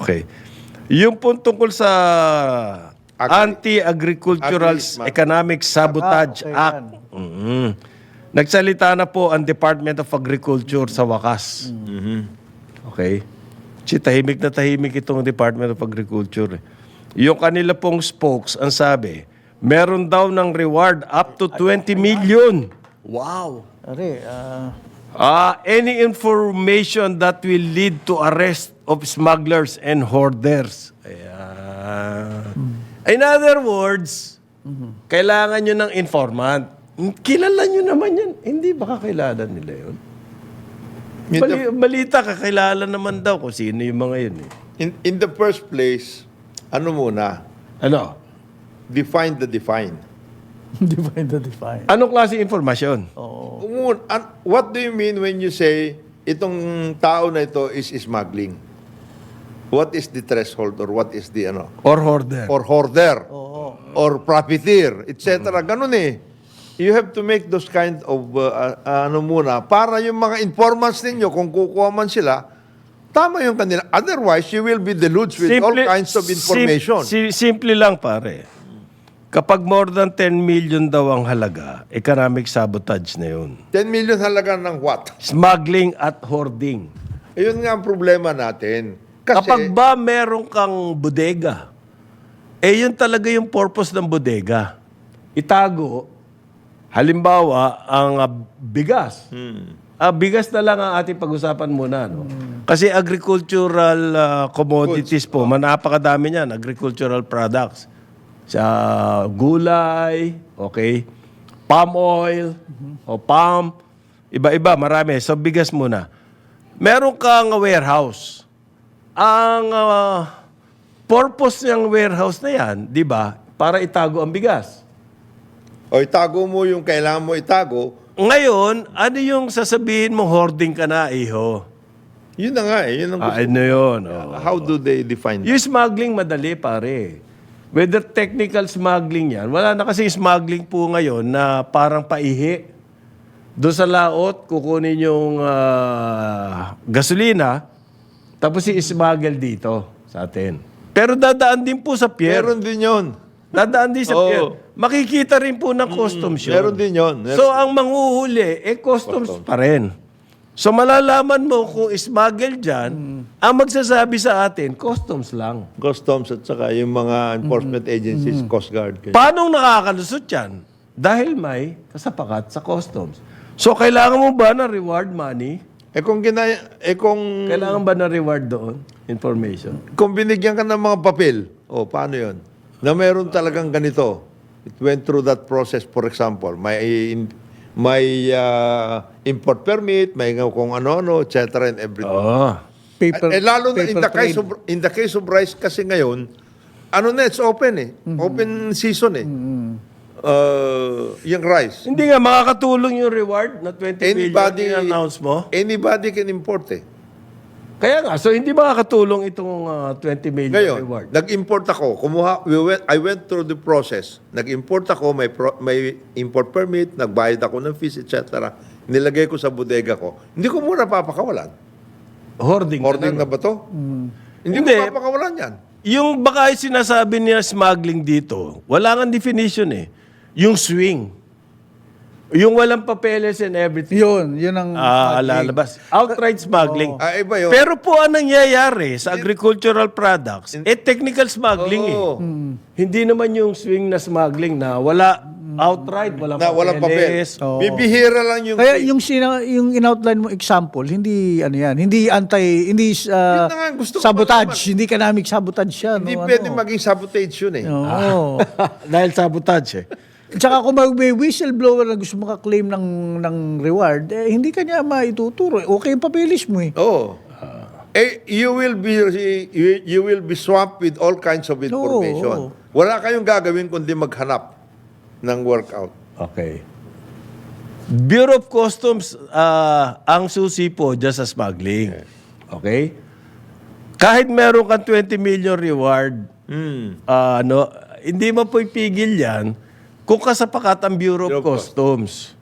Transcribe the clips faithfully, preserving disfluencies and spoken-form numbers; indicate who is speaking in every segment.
Speaker 1: Okay. Yung po tungkol sa Anti-Agricultural
Speaker 2: Agri-
Speaker 1: Economic Sabotage
Speaker 3: Ah, okay,
Speaker 1: Act. Mhm. Nagsalita na po ang Department of Agriculture sa wakas. Okay? Si tahimik na tahimik itong Department of Agriculture. eh. Yung kanila pong spokes, ang sabi, meron daw ng reward up to twenty million. Wow!
Speaker 3: Are, ah,
Speaker 1: Ah, any information that will lead to arrest of smugglers and hoarders. Ayan. In other words, kailangan nyo ng informant. Kilala nyo naman yan. Hindi ba kakilala nila yun? Bali, balita, kakilala naman daw kung sino yung mga yun. Eh.
Speaker 2: In, in the first place, ano muna?
Speaker 1: Ano?
Speaker 2: Define the define.
Speaker 3: define the define.
Speaker 1: Anong klase informasyon?
Speaker 3: Oo.
Speaker 2: Umun- an- What do you mean when you say itong tao na ito is smuggling? What is the threshold or what is the ano?
Speaker 1: Or hoarder?
Speaker 2: Or hoarder?
Speaker 3: Oo.
Speaker 2: Or profiteer, et cetera. Ganun eh. You have to make those kind of uh, uh, ano muna para yung mga informants ninyo kung kukuha man sila, tama yung kanila. Otherwise, you will be deluged with all kinds of information.
Speaker 1: Sim- si- simple lang, pare. Kapag more than ten million daw ang halaga, economic sabotage na yun.
Speaker 2: ten million halaga ng what?
Speaker 1: Smuggling at hoarding.
Speaker 2: Ayun nga ang problema natin. Kasi,
Speaker 1: Kapag ba meron kang bodega, eh yun talaga yung purpose ng bodega. Itago, halimbawa, ang ah, bigas. Ah, bigas na lang ang ating pag-usapan muna. No? Kasi agricultural ah, commodities po, manapakadami niyan, agricultural products. Sa gulay, okay, palm oil, o palm, iba-iba, marami. So, bigas muna. Meron kang warehouse. Ang ah, purpose ng warehouse na yan, di ba, para itago ang bigas.
Speaker 2: o itago mo yung kailangan mo itago,
Speaker 1: Ngayon, ano yung sasabihin mo, hoarding ka na, iho?
Speaker 2: yun na nga eh. Yun ang
Speaker 1: Ah,
Speaker 2: gusto.
Speaker 1: ano yun? Oh.
Speaker 2: How do they define that?
Speaker 1: Yung smuggling, madali, pare. Whether technical smuggling yan, wala na kasi smuggling po ngayon na parang paihi. Doon sa laot, kukunin yung ah, gasolina, tapos i-smuggle dito sa atin. Pero dadaan din po sa pier.
Speaker 2: Meron din yun.
Speaker 1: Dadaan din sa
Speaker 2: Oo.
Speaker 1: pier. Makikita rin po ng customs yun.
Speaker 2: Meron din yun. Meron-
Speaker 1: So, ang manghuhuli, eh, customs pa rin. So, malalaman mo kung smuggle dyan, ang magsasabi sa atin, customs lang.
Speaker 2: Customs at saka yung mga enforcement agencies, Coast Guard. Kaya-
Speaker 1: Paano nakakalusot yan? Dahil may kasapakat sa customs. So, kailangan mo ba ng reward money?
Speaker 2: Eh kung ginaya, eh kung,
Speaker 1: Kailangan ba ng reward doon? Information?
Speaker 2: kung binigyan ka ng mga papel, oh, paano yun? Na meron talagang ganito. It went through that process, for example. May, may uh, import permit, may kung ano-ano, et cetera and everything.
Speaker 1: Oo.
Speaker 3: Paper,
Speaker 2: eh, lalo na in
Speaker 3: paper
Speaker 2: the, case
Speaker 3: trade.
Speaker 2: of, in the case of rice kasi ngayon, ano na, it's open eh. Open season eh. Uh, yung rice.
Speaker 1: Hindi nga, makakatulong yung reward na twenty
Speaker 2: Anybody,
Speaker 1: million announce mo.
Speaker 2: anybody can import eh.
Speaker 1: Kaya nga, so hindi makakatulong itong uh, twenty million
Speaker 2: Ngayon,
Speaker 1: reward.
Speaker 2: nag-import ako. Kumuha, we went, I went through the process. Nag-import ako, may, pro, may import permit, nagbayad ako ng fees, et cetera. Nilagay ko sa bodega ko. Hindi ko muna papakawalan.
Speaker 1: Hoarding.
Speaker 2: Hoarding
Speaker 1: ka
Speaker 2: na ba to? Hindi,
Speaker 1: Hindi.
Speaker 2: ko papakawalan yan.
Speaker 1: Yung baka yung sinasabi niya smuggling dito, wala kang definition eh. Yung swing. Yung walang papeles and everything.
Speaker 3: Yun, yun ang
Speaker 1: Ah,
Speaker 3: smuggling.
Speaker 1: lalabas. Outright smuggling.
Speaker 2: Ah, iba yun.
Speaker 1: Pero po ang nangyayari sa agricultural products, eh technical smuggling eh.
Speaker 2: Oo.
Speaker 1: Hindi naman yung swing na smuggling na wala outright, walang
Speaker 2: Na walang papel.
Speaker 1: papeles.
Speaker 3: Oo.
Speaker 2: Bibihira lang yung...
Speaker 3: Kaya yung sina, yung in-outline mo example, hindi ano yan, hindi anti, hindi
Speaker 2: Yun
Speaker 3: uh,
Speaker 2: na nga, gusto ko
Speaker 3: sabotage, hindi economic sabotage yan.
Speaker 2: hindi
Speaker 3: no,
Speaker 2: pwede
Speaker 3: ano.
Speaker 2: maging sabotage yun eh.
Speaker 3: Oo.
Speaker 1: Dahil sabotage eh.
Speaker 3: Tsaka kung may whistleblower na gusto makaklaim ng, ng reward, eh, hindi kanya maituturo. Okay yung papeles mo eh.
Speaker 2: Oo. Eh, you will be you, you will be swamped with all kinds of information.
Speaker 3: Oo.
Speaker 2: Wala kayong gagawin kundi maghanap ng workout.
Speaker 1: Okay. Bureau of Customs, ah, ang susi po dyan sa smuggling. Okay? Kahit meron kang twenty million reward,
Speaker 2: Hmm.
Speaker 1: ah, ano, hindi mo po ipigil yan kung kasapakat ang Bureau of
Speaker 2: Bureau of
Speaker 1: Customs.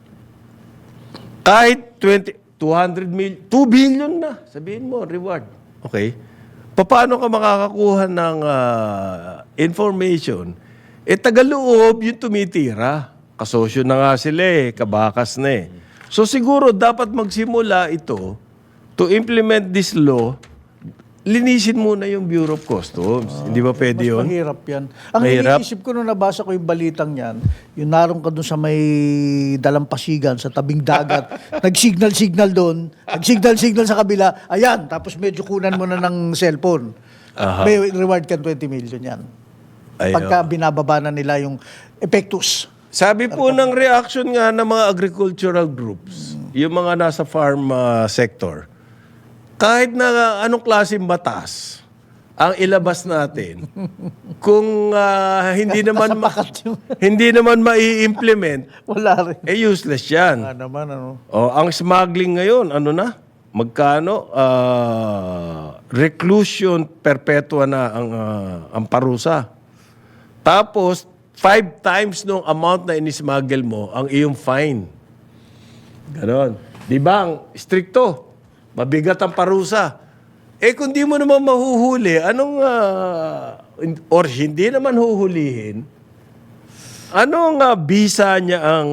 Speaker 1: Kahit twenty, two hundred million, two billion na, sabihin mo, reward. Okay? paano ka makakakuha ng ah, information? Eh, tagaloob yung tumitira. Kasosyo na nga sila eh, kabakas na eh. So siguro dapat magsimula ito to implement this law, linisin muna yung Bureau of Customs. Hindi ba pwede
Speaker 3: Mas
Speaker 1: yun?
Speaker 3: mahirap yan. Ang
Speaker 1: Mahirap.
Speaker 3: iniisip ko nung nabasa ko yung balitang yan, yung naroon ka doon sa may dalampasigan, sa tabing dagat, nag-signal-signal doon, nag-signal-signal sa kabila, ayan, tapos medyo kunan mo na ng cellphone.
Speaker 1: Aha.
Speaker 3: May reward ka twenty million yan.
Speaker 1: Ayun.
Speaker 3: Pagka binababa na nila yung epektus.
Speaker 1: Sabi po ng reaction nga ng mga agricultural groups, yung mga nasa farm ah, sector, kahit na anong klaseng batas ang ilabas natin, kung ah, hindi naman ma-
Speaker 3: Pakat yung,
Speaker 1: hindi naman mai-implement,
Speaker 3: wala rin.
Speaker 1: eh useless yan.
Speaker 3: Ano naman, ano.
Speaker 1: Oh, ang smuggling ngayon, ano na? Magkano? Ah, reclusion perpetua na ang ah, ang parusa. Tapos five times nung amount na inismuggle mo ang iyong fine. Ganon. Di ba? Ang stricto. Mabigat ang parusa. Eh kung di mo naman mahuhuli, anong, ah, or hindi naman huhulihin, anong uh, bisa niya ang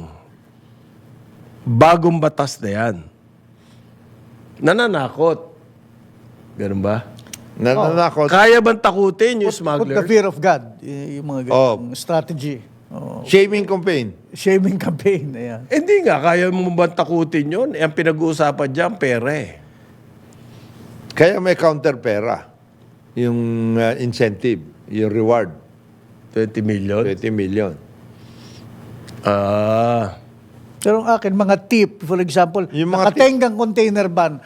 Speaker 1: bagong batas na yan? Nananakot. Ganun ba?
Speaker 2: Nananakot.
Speaker 1: Kaya bang takutin yung
Speaker 3: Put the
Speaker 1: smugglers?
Speaker 3: fear of God. Y- Yung mga
Speaker 2: Oh.
Speaker 3: ganung strategy. Oh.
Speaker 2: Shaming campaign.
Speaker 3: Shaming campaign. Ayan.
Speaker 1: Eh, Hindi nga, kaya mo bang takutin yun? Eh, ang pinag-uusapan dyan, pera eh.
Speaker 2: Kaya may counter pera. Yung uh, incentive, yung reward,
Speaker 1: twenty million?
Speaker 2: twenty million.
Speaker 1: Ah.
Speaker 3: Pero ang akin, mga tip, for example,
Speaker 2: Yung mga
Speaker 3: nakatenggang container van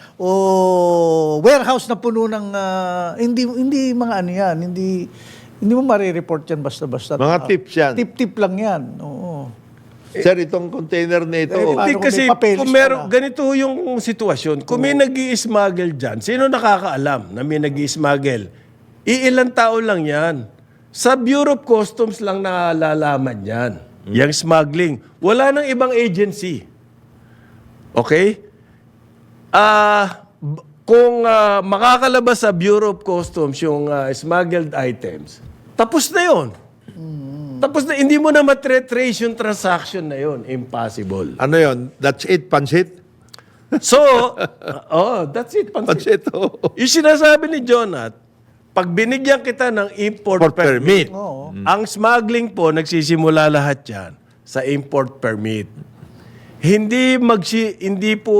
Speaker 3: o warehouse na puno ng, ah, hindi, hindi mga ano yan, hindi, hindi mo marireport yan basta-basta.
Speaker 2: Mga
Speaker 3: Ah,
Speaker 2: tips yan.
Speaker 3: Tip-tip lang yan. Oo.
Speaker 2: Sir, itong container na ito,
Speaker 3: Eh,
Speaker 1: Hindi
Speaker 3: paano kung
Speaker 1: kasi,
Speaker 3: may papeles
Speaker 1: kung
Speaker 3: ka
Speaker 1: meron,
Speaker 3: na?
Speaker 1: ganito yung sitwasyon. Kung may nag smuggle dyan, sino nakakaalam na may nag smuggle? Iilang tao lang yan. Sa Bureau of Customs lang nalalaman yan. Yung smuggling. Wala nang ibang agency. Okay? Ah, b- kung ah, makakalabas sa Bureau of Customs yung ah, smuggled items, tapos na yon. Tapos na, hindi mo na matre-trace yung transaction na yon. Impossible.
Speaker 2: ano yon? That's it, pansit?
Speaker 1: So, oh, that's it. Pansit.
Speaker 2: Pansit, oh.
Speaker 1: Yung sinasabi ni Jonat, pag binigyan kita ng import
Speaker 2: For permit.
Speaker 1: permit,
Speaker 3: Oo.
Speaker 1: ang smuggling po, nagsisimula lahat yan sa import permit. Hindi magsi, hindi po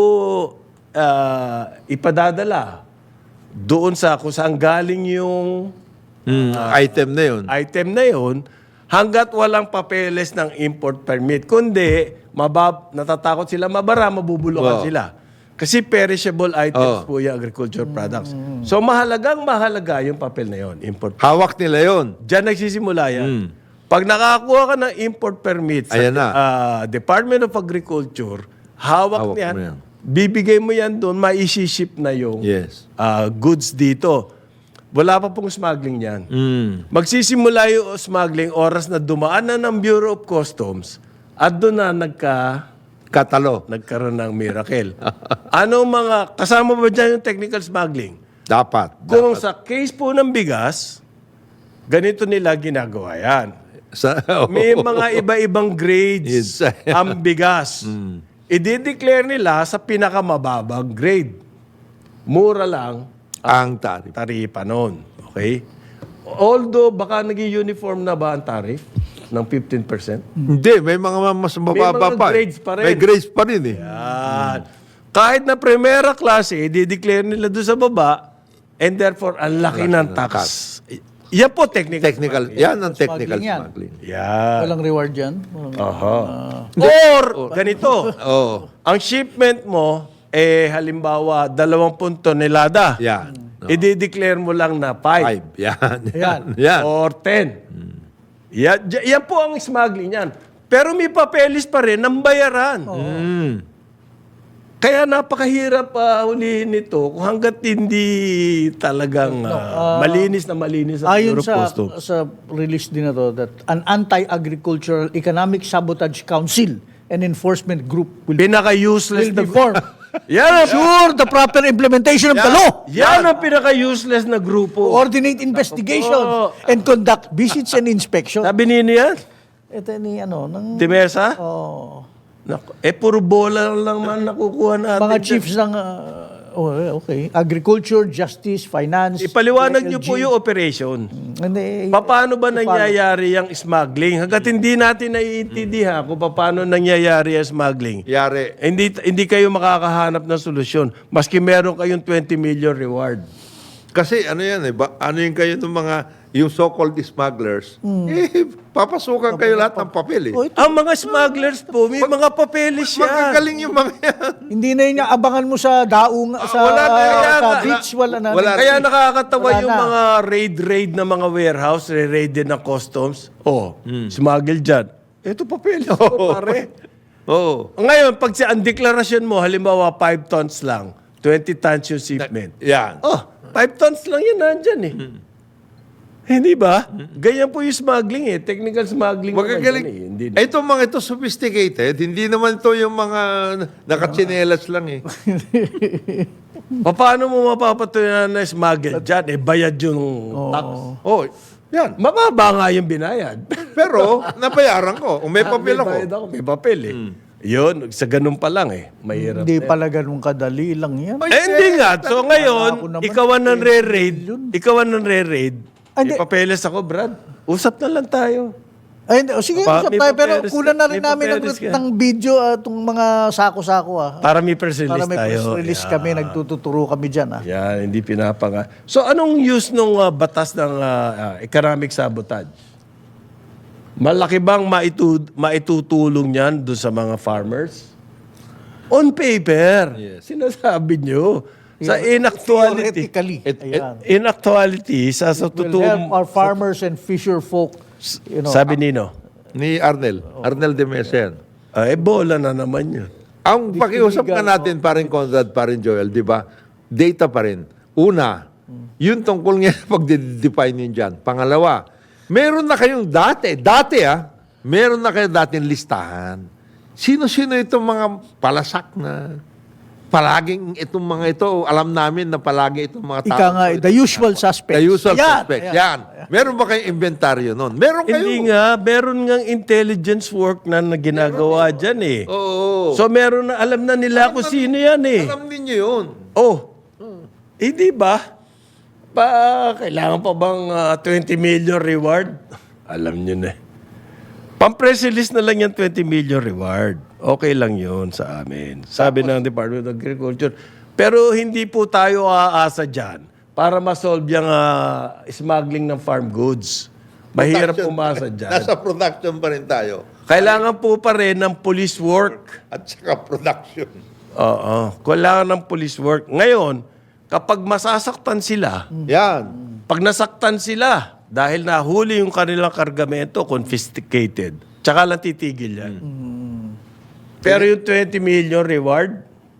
Speaker 1: ah, ipadadala doon sa kung saan galing yung
Speaker 2: Mm, item na yun.
Speaker 1: item na yun hanggat walang papeles ng import permit. Kundi, mabab, natatakot sila, mabara, mabubulukan
Speaker 2: Oo.
Speaker 1: sila. Kasi perishable items
Speaker 2: Oo.
Speaker 1: po yung agriculture products. So mahalagang mahalaga yung papel na yun, import.
Speaker 2: Hawak nila yun.
Speaker 1: Diyan nagsisimula yan. Pag nakakuha ka ng import permit sa
Speaker 2: Ayan na.
Speaker 1: ah, Department of Agriculture, hawak,
Speaker 2: Hawak
Speaker 1: niyan,
Speaker 2: mo yan.
Speaker 1: bibigay mo yan doon, maisiship na yung
Speaker 2: Yes.
Speaker 1: ah, goods dito. Wala pa pong smuggling yan.
Speaker 2: Mm.
Speaker 1: Magsisimula yung smuggling oras na dumaan na ng Bureau of Customs at doon na nagka,
Speaker 2: Katalo.
Speaker 1: nagkaroon ng miracle. Ano mga, kasama ba dyan yung technical smuggling?
Speaker 2: Dapat.
Speaker 1: Kung
Speaker 2: dapat.
Speaker 1: sa case po ng bigas, ganito nila ginagawa yan.
Speaker 2: Sa,
Speaker 1: May mga iba-ibang grades
Speaker 2: Yes.
Speaker 1: ang bigas. I-declare nila sa pinakamababang grade. Mura lang
Speaker 2: ang tarif.
Speaker 1: taripa noon. Okay? Although, baka naging uniform na ba ang tarif ng fifteen percent?
Speaker 2: Hindi, may mga mas mababa
Speaker 1: mga
Speaker 2: pa. eh.
Speaker 1: grades pa rin.
Speaker 2: May grades pa rin eh.
Speaker 1: Yan. Kahit na primera klase, i-declare nila doon sa baba, and therefore, ang laki ng tax. Yan po, technical.
Speaker 2: Technical.
Speaker 1: smuggling.
Speaker 2: Yan ang technical
Speaker 3: Smuggling yan.
Speaker 2: smuggling.
Speaker 1: Yan.
Speaker 3: Walang reward yan. Walang-
Speaker 1: Aha. Or, ganito,
Speaker 2: Oo.
Speaker 1: ang shipment mo, eh, halimbawa, dalawampung tonelada.
Speaker 2: Yan. No.
Speaker 1: I-declare mo lang na five.
Speaker 2: Five. Yan. Yan.
Speaker 3: Yan.
Speaker 2: Yan.
Speaker 1: Or ten. Yan, dy- yan po ang smuggling yan. Pero may papeles pa rin ng bayaran.
Speaker 2: Mm.
Speaker 1: Kaya napakahirap uh, hulihin nito kung hanggat hindi talagang ah, malinis na malinis ang
Speaker 3: Ayon
Speaker 1: Bureau of
Speaker 3: sa,
Speaker 1: Customs.
Speaker 3: sa release din na to, that an anti-agricultural economic sabotage council and enforcement group will,
Speaker 1: Pinaka-useless
Speaker 3: will
Speaker 1: na
Speaker 3: be formed
Speaker 1: Yan ang,
Speaker 3: Sure, the proper implementation of the law.
Speaker 1: yan ang pinaka-useless na grupo.
Speaker 3: Coordinate investigations
Speaker 1: Oo.
Speaker 3: and conduct visits and inspection.
Speaker 1: Sabi nino yan?
Speaker 3: Ito ni ano, ng
Speaker 1: Timesa?
Speaker 3: oh,
Speaker 1: Naku, eh, puro bola lang man nakukuha natin.
Speaker 3: mga
Speaker 1: dyan.
Speaker 3: chiefs ng ah, oh, okay, agriculture, justice, finance.
Speaker 1: Ipaliwanag niyo
Speaker 3: L G.
Speaker 1: po yung operation.
Speaker 3: Hindi,
Speaker 1: Pa- Paano ba nangyayari yung smuggling? Hanggat hindi natin naiintindihan kung paano nangyayari ang smuggling,
Speaker 2: Yari.
Speaker 1: eh, hindi, hindi kayo makakahanap ng solusyon. Maski meron kayong twenty million reward.
Speaker 2: Kasi ano yan eh, ba, ano yung kayo ng mga, yung so-called smugglers, eh, papasukan kayo lahat ng papel eh.
Speaker 3: Oh, ito,
Speaker 1: Ang mga smugglers po, may mga papeles yan.
Speaker 2: Magagaling yung mga yan.
Speaker 3: hindi na yun yung abangan mo sa daong, sa,
Speaker 2: wala na yan.
Speaker 3: sa
Speaker 1: Wala-
Speaker 3: beach, wala na.
Speaker 2: wala.
Speaker 1: Kaya nakakatawa
Speaker 3: Wala
Speaker 1: yung
Speaker 3: na.
Speaker 1: mga raid-raid na mga warehouse, re-raid din ng customs. Oh, smuggle dyan. Ito papeles ko, pare.
Speaker 2: Oo.
Speaker 1: Ngayon, pag si ang deklarasyon mo, halimbawa five tons lang, twenty tons yung shipment.
Speaker 2: Yan.
Speaker 1: Oh, five tons lang yan nandyan eh. Hindi ba? Ganyan po yung smuggling eh. Technical smuggling. naman
Speaker 2: Magagaling.
Speaker 1: yan eh. Hindi
Speaker 2: Eh, itong mga ito sophisticated, hindi naman ito yung mga nakatsinelas lang eh.
Speaker 1: Pa- Paano mo mapapatunayan na smuggle dyan? Eh, bayad yung tax.
Speaker 2: Oh, yan.
Speaker 1: Mababa nga yung binayad.
Speaker 2: Pero, nabayaran ko. Kung may papel ako.
Speaker 1: May bayad ako. May papel eh. Yun, sa ganun pa lang eh. Mahirap.
Speaker 3: Hindi pala ganun kadali lang yan.
Speaker 2: Ay,
Speaker 1: Eh, hindi nga. So
Speaker 3: Ako
Speaker 1: ngayon,
Speaker 3: naman,
Speaker 1: ikaw ang nanre-raid. Ikaw ang nanre-raid.
Speaker 3: Ah, hindi.
Speaker 1: May papeles ako, Brad. Usap na lang tayo.
Speaker 3: Ay, hindi. O, sige,
Speaker 1: Pa-
Speaker 3: usap
Speaker 1: may
Speaker 3: tayo. Pero
Speaker 1: papeles
Speaker 3: kunan na
Speaker 1: ka-
Speaker 3: rin
Speaker 1: may
Speaker 3: namin ng,
Speaker 1: papeles ka.
Speaker 3: ng video itong mga sako-sako ah.
Speaker 1: Para may press release
Speaker 3: Para may
Speaker 1: tayo.
Speaker 3: press release
Speaker 1: Yeah.
Speaker 3: kami, nagtututuro kami dyan ah.
Speaker 1: Yan, hindi pinapanga. So anong use ng batas ng ah, ah, economic sabotage? Malaki bang maitu- maitutulong yan doon sa mga farmers? On paper. Sinasabi nyo. Sa inactuality.
Speaker 3: Theoretically.
Speaker 2: It- it-
Speaker 3: Ayan.
Speaker 1: In actuality, sa sa
Speaker 3: Will
Speaker 1: totoo,
Speaker 3: help our farmers and fisher folk. You know,
Speaker 1: sabi nino,
Speaker 2: Ni Arnel. Arnel de Mesa yan.
Speaker 1: ah, ebola na naman yun.
Speaker 2: Ang pakiusap ka natin, parin Conrad, parin Joel, di ba? Data pa rin. Una, yun tungkol nga pag-define yun dyan. Pangalawa, meron na kayong dati, dati ah, meron na kayong dating listahan. Sino-sino itong mga palasak na palaging itong mga ito, alam namin na palagi itong mga tao.
Speaker 3: Ika nga, the usual suspects.
Speaker 2: The usual
Speaker 3: Yan,
Speaker 2: suspects.
Speaker 3: yan.
Speaker 2: Yan. Meron ba kayong inventaryo nun? Meron kayo.
Speaker 1: Hindi nga, meron nga intelligence work na, na ginagawa dyan eh.
Speaker 2: Oo.
Speaker 1: So meron na, alam na nila kung sino yan eh.
Speaker 2: Alam ninyo yun.
Speaker 1: Oh, eh di ba? Pa, kailangan pa bang ah, twenty million reward? Alam nyo na eh. Pang-press release na lang yan twenty million reward. Okay lang yun sa amin. Sabi ng Department of Agriculture. Pero hindi po tayo aasa dyan para ma-solve yung ah, smuggling ng farm goods. Mahirap
Speaker 2: Production.
Speaker 1: umasa dyan.
Speaker 2: Nasa production pa rin tayo.
Speaker 1: Kailangan po pa rin ng police work.
Speaker 2: At saka production.
Speaker 1: Oo. Kailangan ng police work. Ngayon, kapag masasaktan sila,
Speaker 2: Yan.
Speaker 1: pag nasaktan sila, dahil nahuli yung kanilang kargamento, confiscated, tsaka lang titigil yan. Pero yung twenty million reward,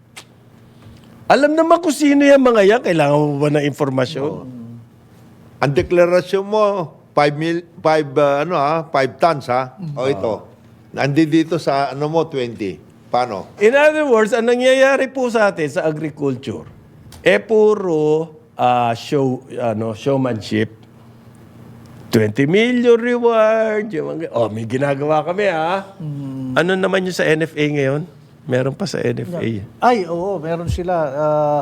Speaker 1: alam naman kung sino yung mga yan. Kailangan mo ba ng informasyon?
Speaker 2: Ang deklarasyon mo, five mil, five, uh, ano ha, five tons ha? O ito. Nandi dito sa, ano mo, twenty. Paano?
Speaker 1: In other words, ang nangyayari po sa atin sa agriculture, eh puro ah, show, ano, showmanship. twenty million reward. Yung mga, oh, may ginagawa kami ha. Ano naman yung sa N F A ngayon? Meron pa sa N F A.
Speaker 3: Ay, oo, meron sila. Uh,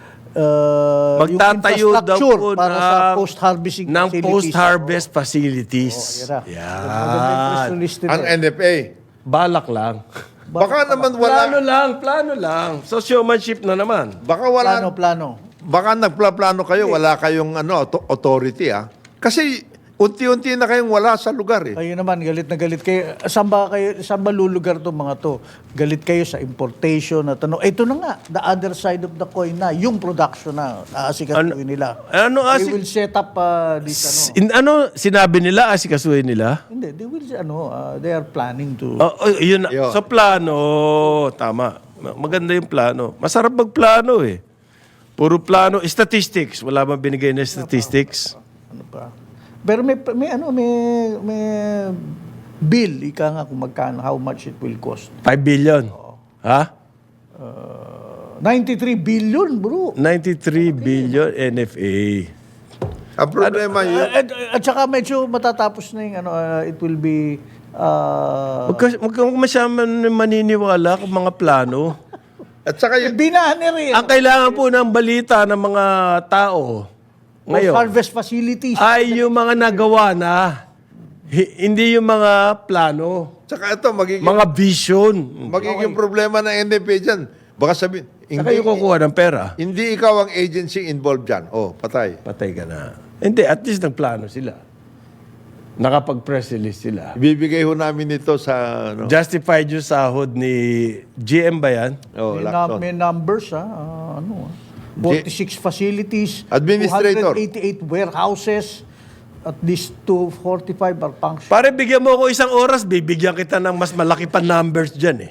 Speaker 3: uh,
Speaker 1: Magtatayo
Speaker 3: yung
Speaker 1: daw
Speaker 3: infrastructure
Speaker 1: po
Speaker 3: para sa
Speaker 1: ng-
Speaker 3: post-harvesting
Speaker 1: ng
Speaker 3: facilities.
Speaker 1: post-harvest facilities.
Speaker 3: Oo, yan.
Speaker 1: Yan.
Speaker 3: Maganda yung press release nila.
Speaker 2: Ang N F A.
Speaker 1: Balak lang.
Speaker 2: Baka naman
Speaker 1: Plano
Speaker 2: wala.
Speaker 1: lang, plano lang. So showmanship na naman.
Speaker 2: Baka wala.
Speaker 3: Plano, plano.
Speaker 2: Baka nagplaplano kayo, wala kayong ano, auto- authority ah. Kasi unti-unti na kayong wala sa lugar eh.
Speaker 3: Kayo naman, galit na galit kayo. Saan ba, kayo, saan ba lulugar to mga to? Galit kayo sa importation at ano. Ito na nga, the other side of the coin na, yung production na, aasikasuhin nila.
Speaker 1: Ano
Speaker 3: They
Speaker 1: asik...
Speaker 3: will set up uh, this, ano.
Speaker 1: In, ano, sinabi nila, asikasuhin nila?
Speaker 3: Hindi, they will, ano, uh, they are planning to.
Speaker 1: Oh, oh, yun. na.
Speaker 2: Yun.
Speaker 1: So plano, tama. Ma- Maganda yung plano. Masarap magplano eh. Puro plano. Statistics. Wala bang binigay na statistics?
Speaker 3: Ano pa? Pero may, may ano, may, may bill, ika nga kung magkano, how much it will cost.
Speaker 1: five billion. Ha?
Speaker 3: ninety-three billion, bro.
Speaker 1: ninety-three billion N F A.
Speaker 2: Ang problema
Speaker 3: Uh,
Speaker 2: yun,
Speaker 3: at, at saka medyo matatapos na yung ano, uh, it will be uh,
Speaker 1: Huwag ka- huwag kang masyadong maniniwala kung mga plano.
Speaker 2: at saka yung
Speaker 3: binahani rin.
Speaker 1: Ang kailangan po ng balita ng mga tao ngayon
Speaker 3: Harvest facilities.
Speaker 1: ay yung mga nagawa na. Hi- hindi yung mga plano.
Speaker 2: Saka ito, magiging,
Speaker 1: Mga vision.
Speaker 2: magiging problema ng N F A dyan. Baka sabihin,
Speaker 1: Saka
Speaker 2: hindi,
Speaker 1: yung kukuha ng pera.
Speaker 2: hindi ikaw ang agency involved dyan. Oh, patay.
Speaker 1: Patay ka na. Hindi, at least nagplano sila. Nakapag-press release sila.
Speaker 2: Ibibigay ho namin ito sa, ano,
Speaker 1: Justified yung sahod ni G M ba yan?
Speaker 2: oh,
Speaker 3: may,
Speaker 2: Lacton.
Speaker 3: na, may numbers, ha? Ah, ano, ah. forty-six facilities,
Speaker 2: Administrator.
Speaker 3: two hundred eighty-eight warehouses, at least two forty-five are functional.
Speaker 1: Pare, bigyan mo ako isang oras, bibigyan kita ng mas malaki pa numbers dyan eh.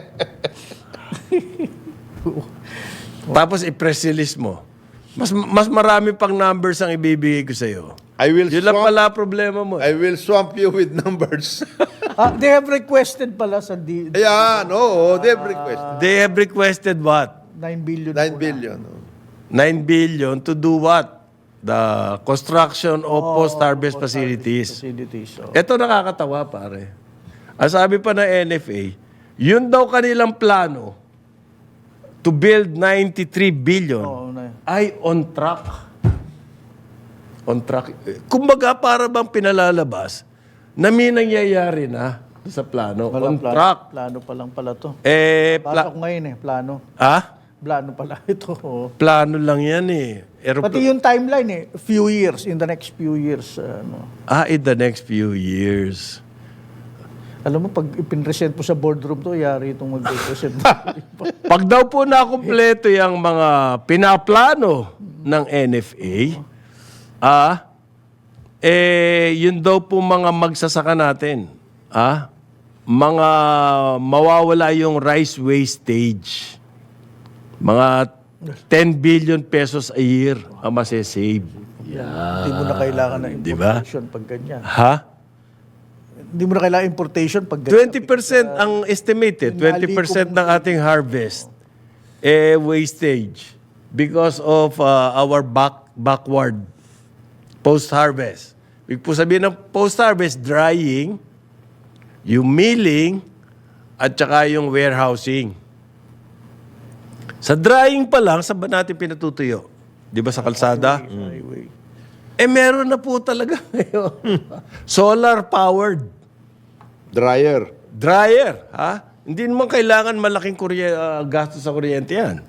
Speaker 1: Tapos i-press release mo. Mas mas marami pang numbers ang ibibigay ko sa'yo.
Speaker 2: I will
Speaker 1: Yun lang
Speaker 2: swamp,
Speaker 1: pala problema mo.
Speaker 2: I will swamp you with numbers.
Speaker 3: Ah, they have requested pala sa D-
Speaker 2: Ayan, oo, they've requested.
Speaker 1: They have requested what?
Speaker 3: nine billion.
Speaker 2: nine
Speaker 3: muna.
Speaker 2: billion. oh.
Speaker 1: nine billion to do what? The construction of post-harvest facilities.
Speaker 3: Facilities. Oh.
Speaker 1: Ito nakakatawa, pare. Ang sabi pa ng N F A, yun daw kanilang plano to build ninety-three billion
Speaker 3: Oo, na.
Speaker 1: ay on track. On track. Kumbaga, para bang pinalalabas na may nangyayari na sa plano.
Speaker 3: Wala,
Speaker 1: on
Speaker 3: plano,
Speaker 1: track.
Speaker 3: Plano pa lang pala to.
Speaker 1: Eh,
Speaker 3: Basa
Speaker 1: pla-
Speaker 3: ko ngayon eh, plano.
Speaker 1: ah?
Speaker 3: Plano pala ito. oh.
Speaker 1: Plano lang yan eh. Aeropl-
Speaker 3: Pati yung timeline eh, few years, in the next few years. uh, ano.
Speaker 1: ah, in the next few years.
Speaker 3: Alam mo, pag ipinresent mo sa boardroom to, yari itong mag-present.
Speaker 1: Pag daw po nakumpleto yung mga pinaplano ng N F A, ah, eh, yun daw po mga magsasaka natin, ah, mga mawawala yung rice wastage. Mga ten billion pesos a year ang masasave.
Speaker 3: Hindi mo na kailangan ng
Speaker 1: Di ba?
Speaker 3: importation pag ganyan.
Speaker 1: Ha?
Speaker 3: Hindi mo na kailangan importation pag ganyan.
Speaker 1: twenty percent ang estimated, twenty percent ng ating harvest eh wastage because of uh, our back backward post-harvest. Ibig po sabihin ng post-harvest, drying, yung milling, at saka yung warehousing. Sa drying pa lang, saan ba natin pinatutuyo? Di ba sa kalsada?
Speaker 3: Highway.
Speaker 1: Eh meron na po talaga ngayon. Solar-powered.
Speaker 2: Dryer.
Speaker 1: Dryer, ha? Hindi naman kailangan malaking kurye, uh, gastos sa kuryente yan.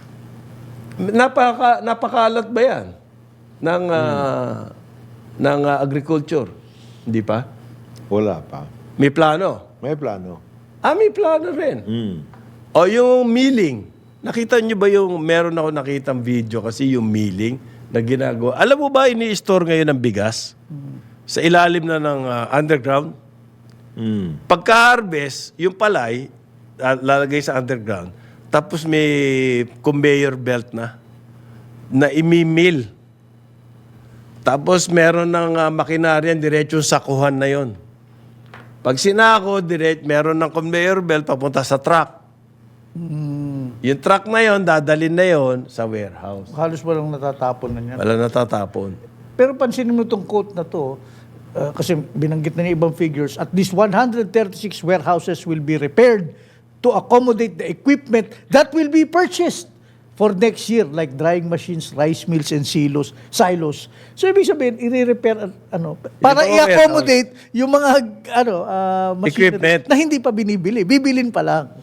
Speaker 1: Napaka, napakalat ba yan ng, uh, ng uh, agriculture? Hindi pa?
Speaker 2: Wala pa.
Speaker 1: May plano?
Speaker 2: May plano.
Speaker 1: Ah, may plano rin.
Speaker 2: Mm.
Speaker 1: O yung milling. Nakita nyo ba yung, meron ako nakitang video kasi yung milling na ginagawa. Alam mo ba, ini-store ngayon ng bigas? Sa ilalim na ng uh, underground?
Speaker 2: Mm.
Speaker 1: Pagka-harvest, yung palay, ah, lalagay sa underground, tapos may conveyor belt na, na imimil. Tapos meron ng uh, makinaryan, diretsong sakuhan na yon. Pag sinako, direct, meron ng conveyor belt papunta sa truck. Yung truck na yon, dadalhin na yon sa warehouse.
Speaker 3: Halos walang natatapon na yan.
Speaker 1: Wala natatapon.
Speaker 3: Pero pansinin mo itong quote na to, uh, kasi binanggit na niya ibang figures, at least one hundred thirty-six warehouses will be repaired to accommodate the equipment that will be purchased for next year, like drying machines, rice mills, and silos. silos. So, ibig sabihin, i-repair, ano, para
Speaker 1: Ito,
Speaker 3: i-accommodate yung mga, ano, uh, machinery
Speaker 1: Equipment.
Speaker 3: na hindi pa binibili. Bibilin pa lang.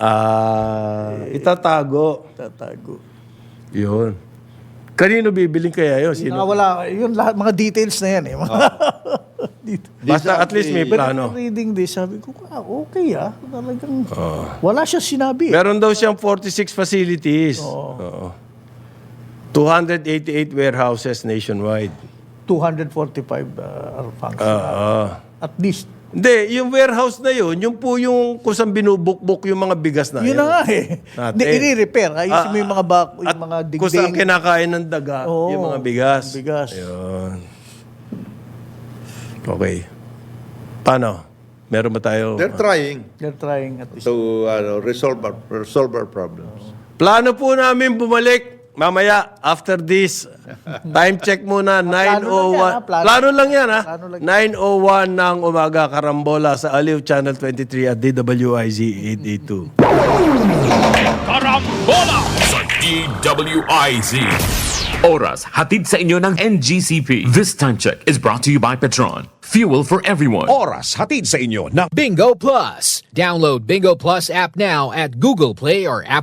Speaker 1: Ah, itatago.
Speaker 3: Tatago.
Speaker 1: Yun. Kanino bibiling kaya yun? Sino?
Speaker 3: Nakawala, yun lahat, mga details na yan eh. Mga dito.
Speaker 1: Basta at least may
Speaker 3: But
Speaker 1: plano.
Speaker 3: after reading this, sabi ko, ah, okay ah. Talagang, wala siya sinabi.
Speaker 1: Meron daw siyang forty-six facilities. Oo. two hundred eighty-eight warehouses nationwide.
Speaker 3: two hundred forty-five uh, are functional.
Speaker 1: Oo.
Speaker 3: At least.
Speaker 1: Hindi, yung warehouse na yun, yung po yung kung saan binubukbuk yung mga bigas na
Speaker 3: Yun na nga eh.
Speaker 1: Natin.
Speaker 3: Hindi, i-repair. Ayusin mo yung mga, bak,
Speaker 1: At
Speaker 3: yung mga
Speaker 1: kung saan
Speaker 3: dingding.
Speaker 1: kinakain ng daga,
Speaker 3: Oo,
Speaker 1: yung mga bigas.
Speaker 3: bigas.
Speaker 1: Yun. Okay. Paano? Meron ba tayo?
Speaker 2: They're trying
Speaker 3: They're trying at least.
Speaker 2: to ano, resolve our, resolve our problems.
Speaker 1: Plano po namin bumalik mamaya after this. Time check muna, nine oh one.
Speaker 3: ah, plano.
Speaker 1: Plano lang yan, ha?
Speaker 3: Plano lang.
Speaker 1: nine oh one ng umaga, Karambola sa Aliw Channel twenty-three at D W I Z eight eighty-two.
Speaker 4: Karambola sa D W I Z. Oras hatid sa inyo ng N G C P. This time check is brought to you by Petron. Fuel for everyone.
Speaker 5: Oras hatid sa inyo ng
Speaker 6: Bingo Plus. Download Bingo Plus app now at Google Play or Apple